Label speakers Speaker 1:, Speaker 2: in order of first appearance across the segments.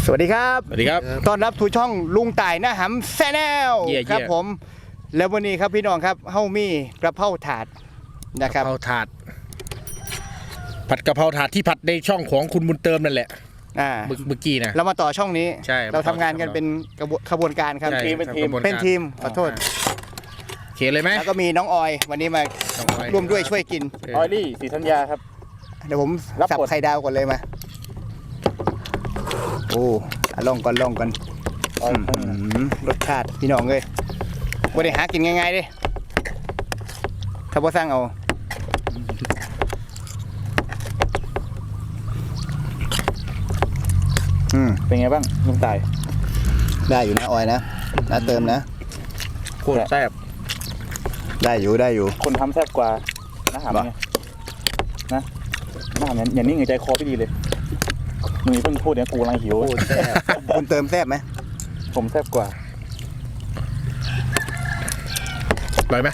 Speaker 1: สวัสดีครับ
Speaker 2: สวัสดีครับ
Speaker 1: ต้อนรับสู่ช่องลุงต่ายนะหำแซนแนลครับผมแล้ววันนี้ครับพี่น้องครับเฮามีกระเพราถาดนะครับ
Speaker 2: กะเพราถาดผัดกะเพราถาดที่ผัดในช่องของคุณบุญเติมนั่นแหละเมื่อกี้นะ
Speaker 1: เรามาต่อช่องนี้
Speaker 2: ใช่
Speaker 1: เราทำงานกันเป็นขบวนการครับเป็นทีมขอโทษ
Speaker 2: เขียนเลยไหม
Speaker 1: แล้วก็มีน้องออยวันนี้มาร่วมด้วยช่วยกิน
Speaker 3: ออยลี่ศรีธัญญาครับ
Speaker 1: เดี๋ยวผมสับไข่ดาวก่อนเลยมาโอ้ลองก่อนรสชาติพี่น้องเลยวันนี้หากินง่ายๆดิถ้าพ่อสร้างเอา
Speaker 3: เป็นไงบ้างลุงต่าย
Speaker 1: ได้อยู่นะออยนะเติมนะ
Speaker 2: โคตรแซ่บ
Speaker 1: ได้อยู่
Speaker 3: คนทำแซ่บกว่านะหำไงนะหำอย่างนี้ไงใจคอไม่ดีเลยมึงเพิ่งพูดเนี่ยกูกำลังหิว
Speaker 1: คุณเติมแซ่บไหม
Speaker 3: ผมแซ่บกว่า
Speaker 2: อร่อยไหม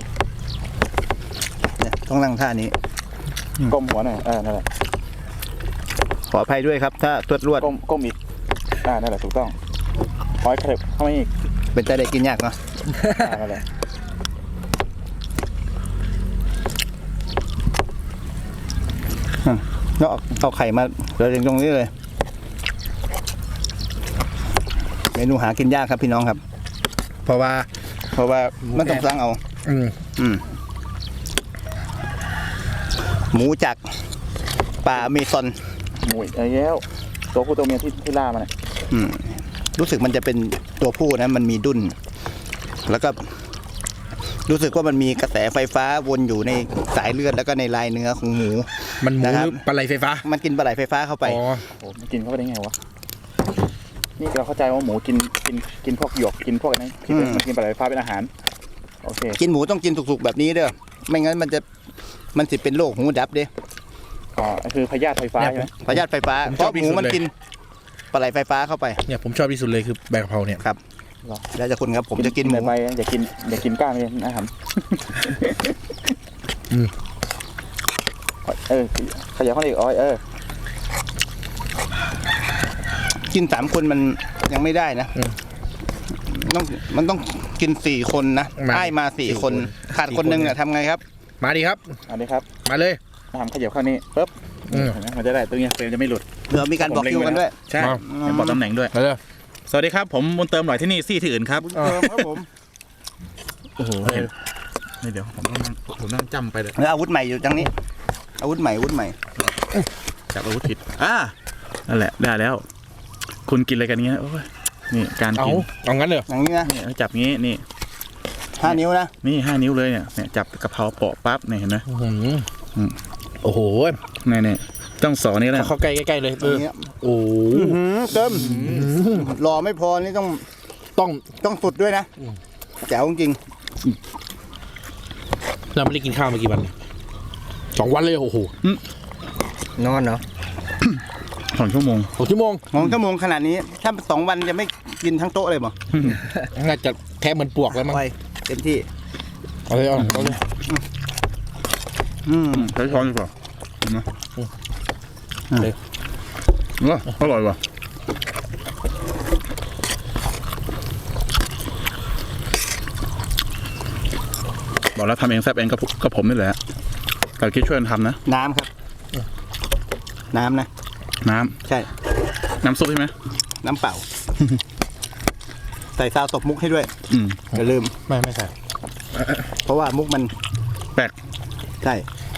Speaker 1: เนี่ยต้องนั่งท่านี้
Speaker 3: ก้มหัวหน่อยนั่นแหละ
Speaker 1: ขออภัยด้วยครับถ้าตรวจรวด
Speaker 3: ก้มอีกนั่นแหละถูกต้องคอยเคล็บเข้ามาอีก
Speaker 1: เป็นใจได้กินยากเนาะ
Speaker 3: นั่นแหละ
Speaker 1: แล้วเอาไข่มาเราเรียงตรงนี้เลยเมนูหากินยากครับพี่น้องครับเพราะว่ามันต้องสั่งเอาหมูจากป่าอเมซอน
Speaker 3: หมูไอ้แล้วตัวผู้ตัวเมียที่ล่ามัน
Speaker 1: รู้สึกมันจะเป็นตัวผู้นะมันมีดุ้นแล้วก็รู้สึกว่ามันมีกระแสไฟฟ้าวนอยู่ในสายเลือดแล้วก็ในลายเนื้อของหมู
Speaker 2: มันหมูปลาไหลไฟฟ้า
Speaker 1: มันกินปลาไหลไฟฟ้าเข้าไป
Speaker 3: มันกินเข้าไปได้ไงวะนี่เราเข้าใจว่าหมูกินพวกหยวกกินพวกนั้นมันกินปลาไหลไฟฟ้าเป็นอาหารโอเค
Speaker 1: กินหมูต้องกินสุกๆแบบนี้เด้อไม่งั้นมันสิเป็นโรคหูดับเด้
Speaker 3: คือพยาธิไฟฟ้าใช่ไหม
Speaker 1: พยาธิไฟฟ้าเพราะหมูมันกินปลาไหลไฟฟ้าเข้าไป
Speaker 2: เนี่ยผมชอบที่สุดเลยคือใบกะเพราเนี่ย
Speaker 1: ครับแล้วจะคุณครับผมจะกินหมู
Speaker 3: ไปอย่ากินก้างเลยนะครับขยับเข้าอีก
Speaker 1: กิน3 คนมันยังไม่ได้นะมันต้องกิน4 คนนะได้มา4 คนขาดคนนึงเนี่ยทำไงครับ
Speaker 2: มาดีครับมาเลย
Speaker 3: ทำขยับเข้านี่ปุ๊บมันจะได้ตัวนี้เฟรมจะไม่หลุด
Speaker 1: เดี๋ยวมีการบอกคิวกันด้วย
Speaker 3: ใช่บอกตำแหน่งด้วยสวัสดีครับผมบุญเติมหน่อยที่นี่ซี่ที่อื่นครับ
Speaker 1: บุญเติมครับผม
Speaker 3: โอ้โหเดี๋ยวผมนั่งจำไปเลย
Speaker 1: อาวุธใหม่อยู่จังนี้อาวุธใหม่
Speaker 3: จับอาวุธผิดนั่นแหละได้แล้วคุณกินอะไรกันเงี้ยโอ้ยนี่การกิน
Speaker 2: เอางั้นเลย
Speaker 1: อย่างนี้นะ
Speaker 3: จับงี้นี่
Speaker 1: 5 นิ้วนะ
Speaker 3: นี่5 นิ้วเลยเนี่ยจับกะเพราเปาะปั๊บเนี่ยเห็นไหม
Speaker 2: โอ้โห
Speaker 3: เนี่ยต้องสอนนี่แหละ
Speaker 2: เข้าใกล้ๆเลยโอ้
Speaker 1: เติมรอไม่พอนี่ต้องสุดด้วยนะแจ๋วจริง
Speaker 2: เราไม่ได้กินข้าวมากี่วัน2 วันเลยโอ้โห
Speaker 1: นอนเนาะ
Speaker 3: 2 ชั่วโมง
Speaker 1: ขนาดนี้ถ้า2 วันจะไม่กินทั้งโต๊ะเลยมั้ง
Speaker 2: น่าจะแท้เหมือนปวกแล้วมั้ง
Speaker 1: เต็มที่
Speaker 2: เอาเลย
Speaker 3: ใช้ช้อนดีกว่าอร่อยว่ะบอกแล้วทำเองแซ่บเองก็ผมนี่แหละแต่คิดช่วยกันทำนะ
Speaker 1: น้ำครับน้ำนะ
Speaker 3: น้ำ
Speaker 1: ใช่
Speaker 3: น้ำซุปใช่ไหม
Speaker 1: น้ำเปล่าใส่ซาวตบมุกให้ด้วยอย่าลืม
Speaker 2: ไม่ใส่
Speaker 1: เพราะว่ามุกมัน
Speaker 3: แปลก
Speaker 1: ใช่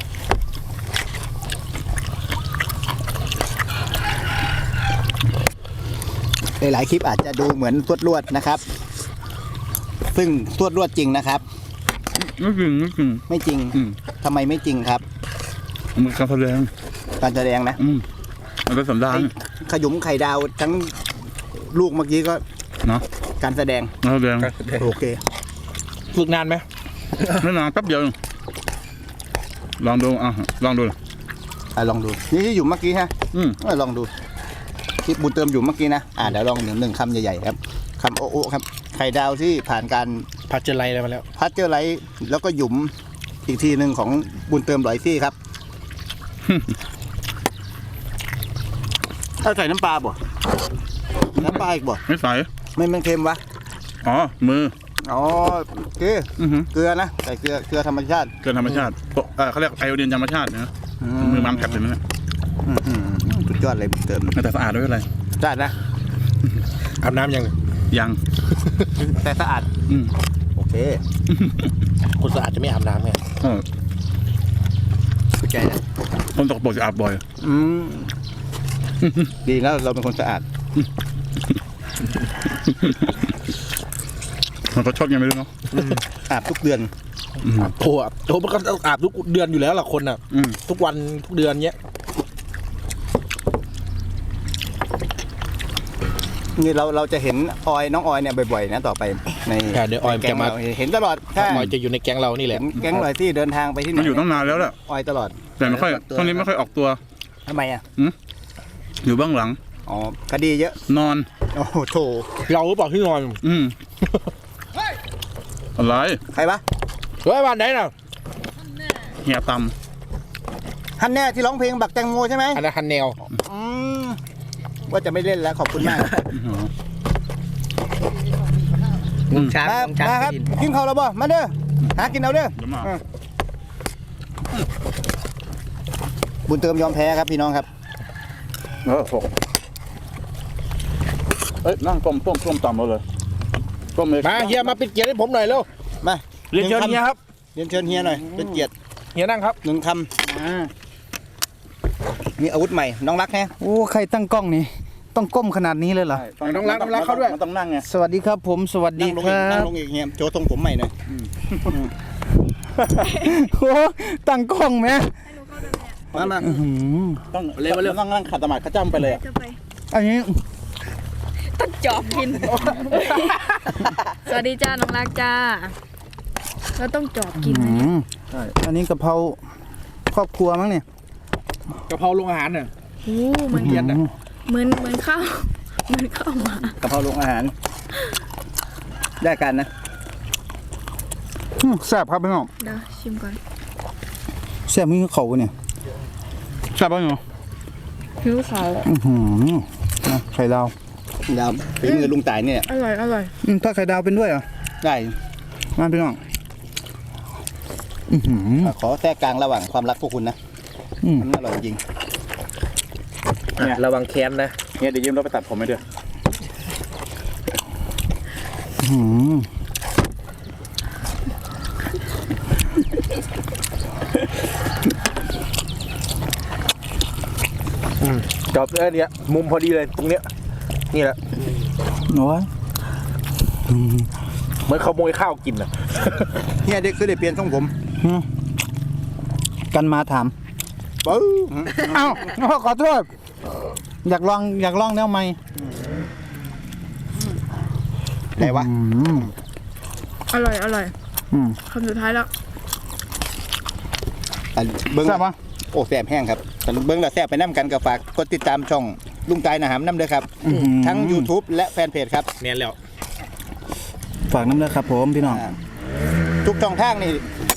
Speaker 1: หลายคลิปอาจจะดูเหมือนตรวจรวดนะครับซึ่งตรวจรวดจริงนะครับ
Speaker 3: ไม่จ
Speaker 1: ริงทำไมไม่จริงครับ
Speaker 3: มันการแสด
Speaker 1: งนะ
Speaker 3: มันเป็นสันดาน
Speaker 1: ขยุมไข่ดาวทั้งลูกเมื่อกี้ก็
Speaker 3: เนาะ
Speaker 1: การแสดงโอเค
Speaker 2: ฝึกนานไหม
Speaker 3: ไม่นานแป๊บเดียวลองดูลองดู
Speaker 1: นี่อยู่เมื่อกี้ฮะลองดูที่บุญเติมอยู่เมื่อกี้นะเดี๋ยวลองหนึ่งคำใหญ่ๆครับคำโอ้ครับไข่ดาวที่ผ่านการ
Speaker 2: พัชเจอร์ไลท์อะไรมาแล้ว
Speaker 1: พัชเจอร์ไลท์แล้วก็หยุมอีกทีหนึ่งของบุญเติมหลอยซี่ครับถ้าใส่น้ำปลาบ่น้ำปลาอีกบ่
Speaker 2: ไม่ใส่
Speaker 1: ไม่มันเค็มวะ
Speaker 2: อ๋อมือ
Speaker 1: อ๋อเกลือ
Speaker 2: อือหือ
Speaker 1: เกลือนะใส่เกลือธรรมชาติ
Speaker 2: เกินธรรมชาติเขาเรียกไอโอดีนธรรมชาตินะมือมันแผลบเลยนะ
Speaker 1: สุดยอดเลยเติม
Speaker 2: แต่สะอาดด้วยอะไร
Speaker 1: สะอาดนะ
Speaker 3: อาบน้ำยัง
Speaker 2: ยัง
Speaker 1: แต่สะอาด
Speaker 2: อืม
Speaker 1: โอเค
Speaker 3: คนสะอาดจะไม่อาบน้ำไง
Speaker 1: เข้าใจนะ
Speaker 2: คนตกปรกจะอาบบ่อย
Speaker 1: ดีแล้วเราเป็นคนสะอาด
Speaker 2: มันก็ชอบยังไม่รู้เนาะ
Speaker 1: อาบทุกเดือน
Speaker 3: โอ้โหมันก็อาบทุกเดือนอยู่แล้วล่ะคนอ่ะ ทุกวันทุกเดือนเนี้ย
Speaker 1: นี่เราจะเห็นน้องออยเนี่ยบ่อยๆนะต่อไปใน
Speaker 3: เดี๋ยวออย
Speaker 1: แก๊
Speaker 3: จะ
Speaker 1: ง
Speaker 3: มา
Speaker 1: เราเห็นตลอดใช่
Speaker 3: ออยจะอยู่ในแก๊งเรานี่แห
Speaker 1: เห็
Speaker 3: ละ
Speaker 1: นแก๊งออยที่เดินทางไปที่ไหน
Speaker 2: มันอยู่ตั้งนานแล้วแหละ
Speaker 1: ออยตลอด
Speaker 2: แต่ไม่ค่อยช่วงนี้ไม่ค่อยออกตัว
Speaker 1: ทำไมอ่ะ
Speaker 2: อยู่เบื้องหลัง
Speaker 1: อ๋อคดีเยอะ
Speaker 2: นอน
Speaker 1: โอ้โหโถ
Speaker 3: เราหรือเปล่าที่นอน
Speaker 2: อะไร
Speaker 1: ใครวะ
Speaker 3: เฮ้ยบ้านไหนน่ะ
Speaker 2: เหี่ยต
Speaker 1: ฮันแน่ที่ร้องเพลงบักแตงโมใช่ไหม
Speaker 3: อันนั้นฮันแนว
Speaker 1: อืมว่าจะไม่เล่นแล้วขอบคุณมาก
Speaker 4: ช้าง
Speaker 1: มา
Speaker 4: ช้าง
Speaker 1: มาครับ
Speaker 4: กิน
Speaker 1: กินข้าวแล้วบ่มาเด้อหากินเอาเด้อ
Speaker 2: ำเดี๋ยวมา
Speaker 1: บุญเติมยอมแพ้ครับพี่น้องครับ
Speaker 2: เอ้ยนั่งต้มต่ำเราเลยต้มเลย
Speaker 3: มาเฮียมาปิดเกียร์ให้ผมหน่อยเร็ว
Speaker 1: มา
Speaker 3: เรียนเชิญเฮียครับ
Speaker 1: เรียนเชิญเฮียหน่อยเป็นเกียรติ
Speaker 3: เฮียนั่งครับ
Speaker 1: หนึ่งคำมีอาวุธใหม่น้องรักแฮะ
Speaker 4: โอ้ใครตั้งกล้องนี่ต้องก้มขนาดนี้เลยเหรอ
Speaker 2: ต้องรักเขาด้วยมันต้องนั่งไง
Speaker 4: สวัสดีครับผมสวัสดี
Speaker 1: นั่งลง
Speaker 4: ค
Speaker 1: อีก
Speaker 4: รั
Speaker 1: นั่ง
Speaker 4: บ
Speaker 1: ลงอีกเฮียโจทรงผมใหม่หน่อย
Speaker 4: โอ้ตั้งกล้องไหม
Speaker 1: มา
Speaker 4: อื้อหือ
Speaker 2: ต้องเร็วนั่งขัดสมาธิข้าจ้ำไปเลยอ่ะ
Speaker 5: จะไป
Speaker 4: อันนี้
Speaker 5: ต้องจอบกิน สวัสดีจ้าน้องรักจ้าแล้วต้องจอบกิน
Speaker 4: อื้อ
Speaker 5: นะ
Speaker 4: หืออันนี้กะเพราครอบครัวมั้งเนี่ย
Speaker 3: กะเพราโรงอาหารน่ะ
Speaker 5: โอ้เหมือน
Speaker 3: เย็นน่ะ
Speaker 5: เหมือนข้าวเหมือนข้าวหมาก
Speaker 1: ะเพราลงอาหาร ได้กันนะ
Speaker 4: แซ่บครับพี่น้อง
Speaker 5: เดี๋ยวชิมก่อน
Speaker 4: แซ่บมีเขาเนี่ย
Speaker 2: ใช่ป่ะเนาะ
Speaker 5: หิวเขา
Speaker 4: อื้อหือนะไข่ดาว
Speaker 1: ดาวฝีมือลุงต่ายเนี่ย
Speaker 5: อร่อยอร่อย
Speaker 4: ถ้าไข่ดาวเป็นด้วยเหรอ
Speaker 1: ได้
Speaker 4: มาพี่น้องอื้อหือ
Speaker 1: ขอแทรกกลางระหว่างความรักพวกคุณนะ
Speaker 4: อืม
Speaker 1: มันอร่อยจริง
Speaker 3: ระวังแค้นนะ
Speaker 2: เนี่ยเดี๋ยวยืมเราไปตัดผมไหมเด้อ
Speaker 4: อื้อหือ
Speaker 3: จอบเนี่ยมุมพอดีเลยตรงเนี้ยนี่แหละ
Speaker 4: โอ้ย
Speaker 3: เหมือนขโมยข้าวกินน่ะ
Speaker 1: เฮียได้คือได้เปลี่ยนทรงผม
Speaker 4: กันมาถาม
Speaker 1: ปื้อ
Speaker 4: เอ้าขอโทษอยากลองแนวใหม่
Speaker 1: ไหนวะ
Speaker 4: อืม
Speaker 5: อร่อยอร่อย
Speaker 4: อืม
Speaker 5: คำสุดท้ายแล้ว
Speaker 1: อ่ะเบิ้ง
Speaker 4: แซ่บปะ
Speaker 1: โอ้แซ่บแห้งครับแต่เบิ้งแล้วแซ่บไปน้ำกันกับฝากกดติดตามช่องลุงต่ายนะหามน้ำเด้อครับ ทั้ง YouTube และแฟนเพจครับ
Speaker 3: แน่นแล้ว
Speaker 4: ฝากน้ำเลยครับผมพี่น้อง
Speaker 1: ทุกช่องทางนี่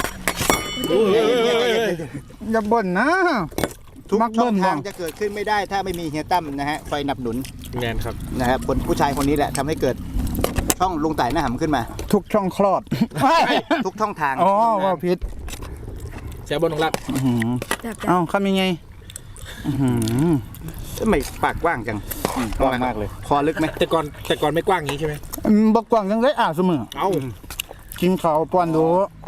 Speaker 4: อย่าบ่นนะ
Speaker 1: ทุก
Speaker 4: มัก
Speaker 1: ช่
Speaker 4: เบิ้
Speaker 1: อง
Speaker 4: ล
Speaker 1: ทาง
Speaker 4: บ้าง
Speaker 1: จะเกิดขึ้นไม่ได้ถ้าไม่มีเฮียตั้มนะฮะคอยหนับหนุน
Speaker 3: แน่นครับ
Speaker 1: นะครับคนผู้ชายคนนี้แหละทำให้เกิดช่องลุงต่ายหน้าหำขึ้นมา
Speaker 4: ทุกช่องคลอด
Speaker 1: ทุกช่องทาง
Speaker 4: อ๋อว่าพิษ
Speaker 3: แซ่บบนของรัก
Speaker 5: แบบ
Speaker 4: เอ้าคำยังไงอื้อหือ
Speaker 1: ทำไมปากกว้างจัง
Speaker 2: กว้างมากเลย
Speaker 1: คอลึกไหม
Speaker 3: แต่ก่อนไม่กว้างอย่างนี้ใช่ไหม
Speaker 4: บอกกว่างยังได้เสมอ
Speaker 3: เอ้า
Speaker 4: กินข้าวป้อนดู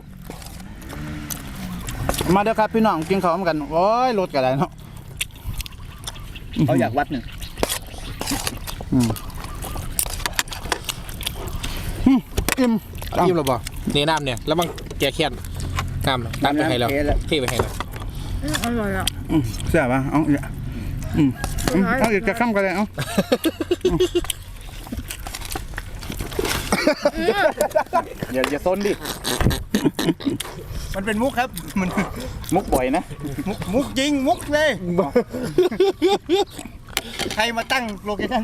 Speaker 4: มาเด้อครับพี่น้องกินข้าวกันโอ้ยรถกันได้เนาะ
Speaker 1: เขาอยากวัดหนึ่ง
Speaker 4: อิ่ม
Speaker 3: เอายิ้มเราบ่เนี่ยน้ำเนี่ยแล้วมันแกแค้นน้ำตัดไปให้เราเทไปให้เรา
Speaker 5: อร่อยอ่ะ
Speaker 4: แซ่บปะเอาอีกเอาอีกจะข้ามกันเลยเอา
Speaker 2: อย่าซนดิ
Speaker 1: มันเป็นมุกครับมัน
Speaker 2: มุกบ่อยนะ
Speaker 1: มุกจริงมุกเลยใครมาตั้งโลเคชั่น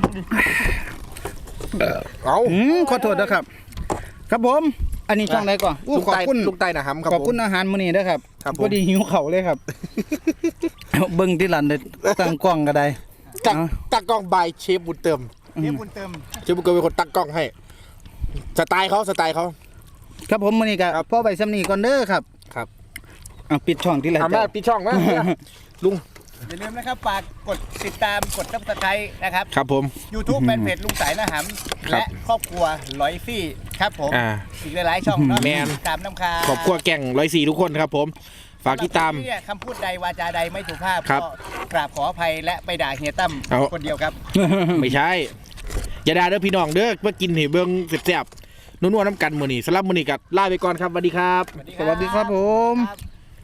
Speaker 3: เอา
Speaker 4: ขอโทษนะครับ ครับผม อันนี้ช่องไหนก่อนอู้ขอบคุณ
Speaker 3: ลูกใต้นะครับ
Speaker 4: ขอบคุณอาหารมื้อนี้ด้วยครับ
Speaker 3: ครับผม
Speaker 4: พอดีหิวเข่าวเลยครับ เบิ่งที่หลันเลยตั้งกล้องก็ได้
Speaker 2: ตั้งกล้องบายเชฟบุญเติม
Speaker 1: เดี๋ยวบุญเติม
Speaker 2: เชฟบุญเติมเป็นคนตั้งกล้องให้สไตล์เขา
Speaker 4: ครับผมมื้อนี้ก็พ่อไปซ้ำนี้ก่อนเด้อครับ
Speaker 2: ครับ
Speaker 4: ปิดช่องที่ไร
Speaker 2: ทำได้ปิดช่องนะลุง
Speaker 1: อย่าลืมนะครับฝากกดติดตามกดซับสไครต์นะครับ
Speaker 2: ครับผม
Speaker 1: YouTube แฟนเพจลุงสายนาหำและครอบครัวร้อยซี่ครับผม อีกหลายๆช่องเนาะ
Speaker 2: แมน
Speaker 1: ตามน้ำคา
Speaker 2: ขอบครัวแก่ง104ทุกคนครับผมฝากติดตาม
Speaker 1: เนี่ยคำพูดใดวาจาใดไม่ถูกภาพ
Speaker 2: ครับ
Speaker 1: ก็กราบขออภัยและไปด่าเฮียตั้ม
Speaker 2: เอา
Speaker 1: คนเดียวครับ
Speaker 2: ไม่ใช่ อย่าด่าเด้อพี่น้องเด้อมากินให้เบิ่งแซ่บๆนัวๆน้ำกันมื้อนี้สำหรับมื้อนี้ก็ลาไปก่อนครับสวัสดีครับ
Speaker 4: สวัสดีครับผม
Speaker 1: ครับ